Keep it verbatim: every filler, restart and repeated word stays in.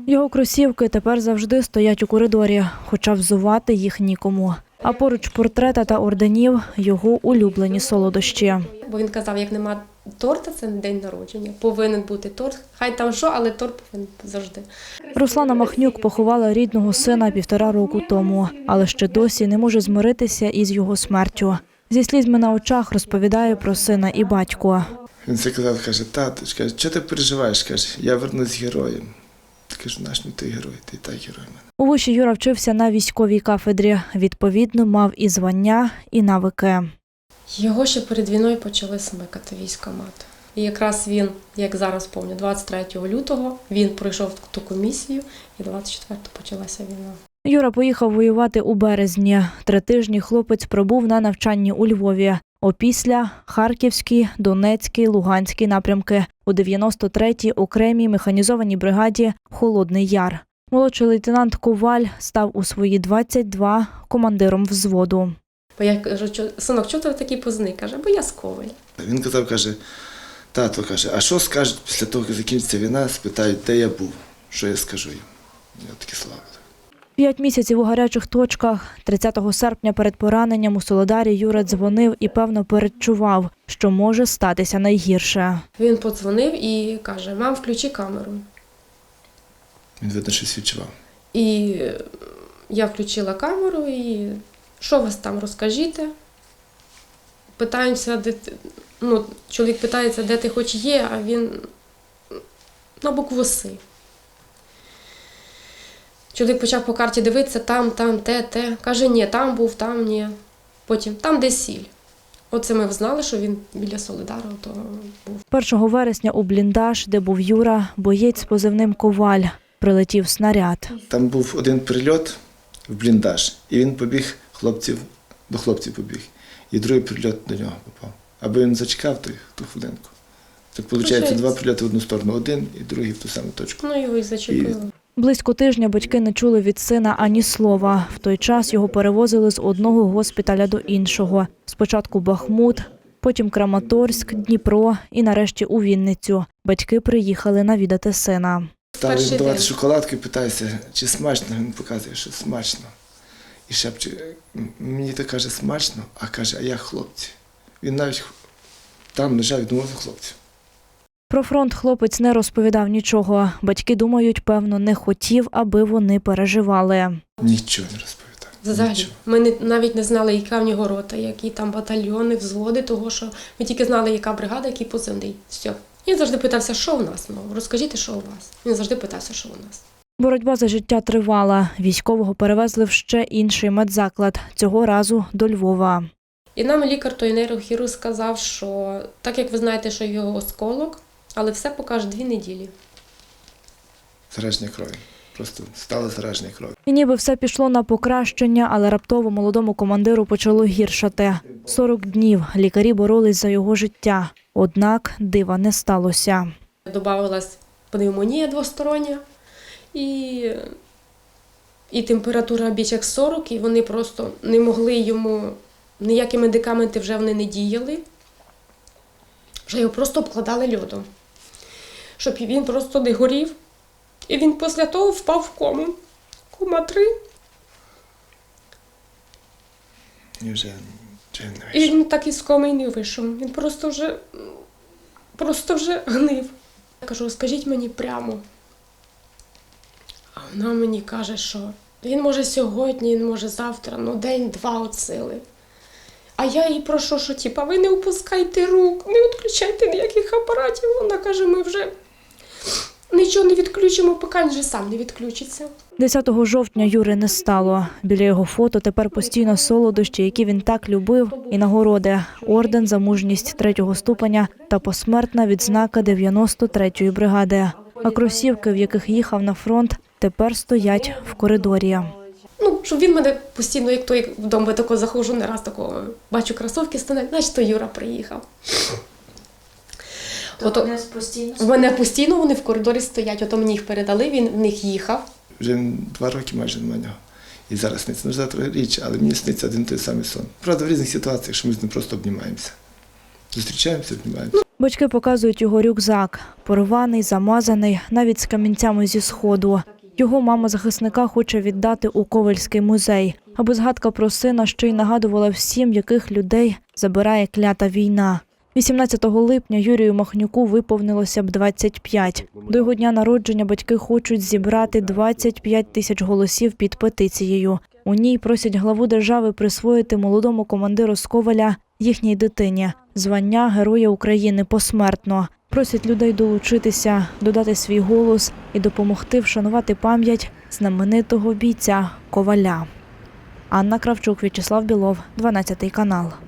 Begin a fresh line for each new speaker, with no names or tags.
Його кросівки тепер завжди стоять у коридорі, хоча взувати їх нікому. А поруч портрета та орденів – його улюблені солодощі.
Бо він казав, як нема торта, це не день народження. Повинен бути торт. Хай там що, але торт повинен завжди.
Руслана Махнюк поховала рідного сина півтора року тому, але ще досі не може змиритися із його смертю. Зі слізьми на очах розповідає про сина і батько.
Він це казав, каже, тато, каже, що ти переживаєш, каже, я вернусь героєм. Ти кажу, наш не той герой, ти і так герой мене.
У виші Юра вчився на військовій кафедрі. Відповідно, мав і звання, і навики.
Його ще перед війною почали смикати військкомат. І якраз він, як зараз пам'ятаю, двадцять третього лютого він пройшов ту комісію, і двадцять четвертого почалася війна.
Юра поїхав воювати у березні. Три тижні хлопець пробув на навчанні у Львові. Опісля – Харківський, Донецький, Луганський напрямки. У дев'яносто третій окремій механізованій бригаді «Холодний Яр». Молодший лейтенант Коваль став у свої двадцять два командиром взводу.
Бо я кажу, синок, чого ти такий позний? Каже, бо я з Коваля.
Він казав, каже, тато, каже, а що скажуть після того, як закінчиться війна, спитають, де я був, що я скажу їм. Я такі слава.
П'ять місяців у гарячих точках. тридцятого серпня перед пораненням у Солидарі Юра дзвонив і, певно, передчував, що може статися найгірше.
Він подзвонив і каже, мам, включи камеру.
Він, видно, щось відчував.
І я включила камеру і що вас там розкажіть? Питаємося, де ти... ну, чоловік питається, де ти хоч є, а він на букву С. Чоловік почав по карті дивитися, там, там, те, те. Каже, ні, там був, там, ні. Потім, там, де сіль. Оце ми знали, що він біля Солидару то був.
першого вересня у бліндаж, де був Юра, боєць з позивним «Коваль», прилетів снаряд.
Там був один прильот в бліндаж, і він побіг хлопців, до хлопців побіг. І другий прильот до нього попав. Аби він зачекав ту, ту хвилинку. Так, виходить, два прильоти в одну сторону, один і другий в ту саму точку.
Ну, його і зачепили.
І...
Близько тижня батьки не чули від сина ані слова. В той час його перевозили з одного госпіталя до іншого. Спочатку Бахмут, потім Краматорськ, Дніпро і нарешті у Вінницю. Батьки приїхали навідати сина.
Стали
Перший
їм давати
день.
шоколадку і питаюся, чи смачно. Він показує, що смачно. І шепче, мені то каже смачно, а каже, а я хлопці. Він навіть там лежав і думав за хлопців.
Про фронт хлопець не розповідав нічого. Батьки думають, певно, не хотів, аби вони переживали.
Нічого не розповідав.
Взагалі.
Нічого.
Ми не, навіть не знали, яка в нього рота, які там батальйони, взводи, того, що ми тільки знали, яка бригада, який позивний. Все. Він завжди питався, що у нас, ну, розкажіть, що у вас. Він завжди питався, що у нас.
Боротьба за життя тривала. Військового перевезли в ще інший медзаклад, цього разу до Львова.
І нам лікар, той нейрохірург, сказав, що так як ви знаєте, що його осколок, але все покаже дві неділі.
Зараження крові. Просто стало зараження крові.
І ніби все пішло на покращення, але раптово молодому командиру почало гіршати. сорок днів лікарі боролись за його життя. Однак дива не сталося.
Добавилась пневмонія двостороння і, і температура більш як сорок, і вони просто не могли йому, ніякі медикаменти вже вони не діяли, вже його просто обкладали льодом, щоб він просто не горів. І він після того впав в кому. Кома три.
І вже, вже не
І
вийшов.
він так із коми й не вийшов. Він просто вже, просто вже гнив. Я кажу, скажіть мені прямо. А вона мені каже, що він може сьогодні, він може завтра, ну день-два от сили. А я їй прошу, що типа, ви не опускайте рук, не відключайте ніяких апаратів. Вона каже, ми вже нічого не відключимо, поки він вже сам не відключиться.
десятого жовтня Юри не стало. Біля його фото тепер постійно солодощі, які він так любив, і нагороди – орден за мужність третього ступеня та посмертна відзнака дев'яносто третьої бригади. А кросівки, в яких їхав на фронт, тепер стоять в коридорі.
Ну, щоб він мене постійно, як той вдома тако заходжу, не раз такого бачу кросівки стоять, значить, то Юра приїхав. Ото,
Вони постійно
в мене постійно вони в коридорі стоять, ото мені їх передали, він в них їхав.
Вже два роки майже немає нього. І зараз сниться. Ну, завтра річ, але мені сниться один той самий сон. Правда, в різних ситуаціях, що ми з ним просто обнімаємося. Зустрічаємося, обнімаємося.
Батьки показують його рюкзак. Порваний, замазаний, навіть з камінцями зі сходу. Його мама захисника хоче віддати у Ковельський музей, аби згадка про сина ще й нагадувала всім, яких людей забирає клята війна. вісімнадцятого липня Юрію Махнюку виповнилося б двадцять п'ять. До його дня народження батьки хочуть зібрати двадцять п'ять тисяч голосів під петицією. У ній просять главу держави присвоїти молодому командиру з Ковеля, їхній дитині, звання Героя України посмертно. Просять людей долучитися, додати свій голос і допомогти вшанувати пам'ять знаменитого бійця Коваля. Анна Кравчук, В'ячеслав Білов, дванадцятий канал.